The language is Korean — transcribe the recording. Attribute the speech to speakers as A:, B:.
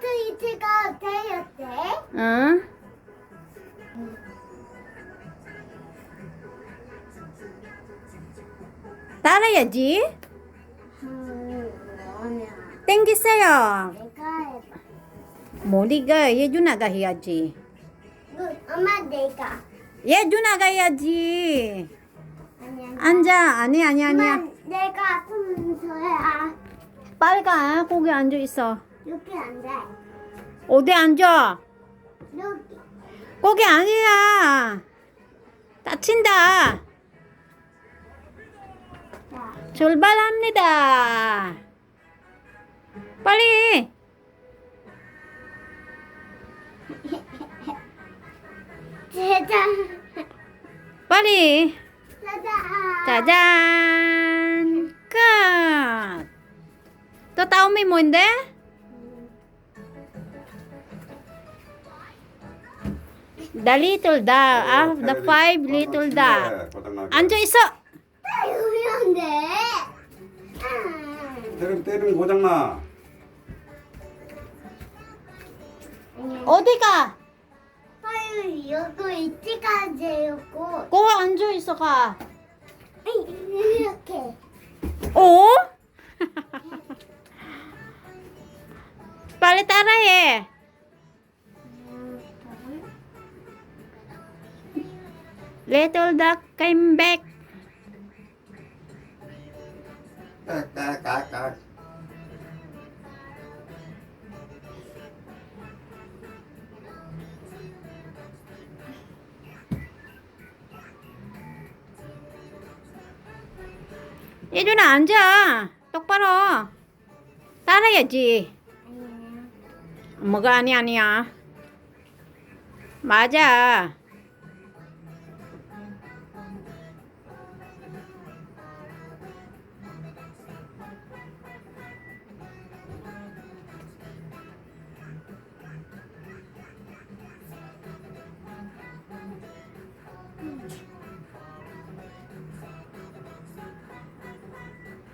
A: 트위트가 되었대.
B: 응? 따라야지.
A: 아니야.
B: 땡기세요.
A: 내가 해봐.
B: 머리가 예준아가 해야지.
A: 엄마 내가.
B: 예준아가 해야지.
A: 아니야.
B: 앉아. 아니 아니야.
A: 엄마 내가 순서야.
B: 빨가. 거기 앉아 있어.
A: 여기 안 돼.
B: 어디 앉아?
A: 여기.
B: 거기 아니야. 다친다.
A: 자.
B: 출발합니다. 빨리.
A: 짜잔.
B: 빨리.
A: 짜잔.
B: 짜잔. 끝. 또 다음이 뭔데? The little dog. The five little dog. 앉아 있어.
A: 유리한데.
C: 때리면 고장나.
B: 어디 가?
A: 아유, 여기 이때까지였고.
B: 거기 앉아 있어 가.
A: 이렇게.
B: 오? 빨리 따라해. Little duck came back.
C: 까까까까.
B: 예준아 앉아. 똑바로. 따라야지. 뭐가 아니야. 맞아.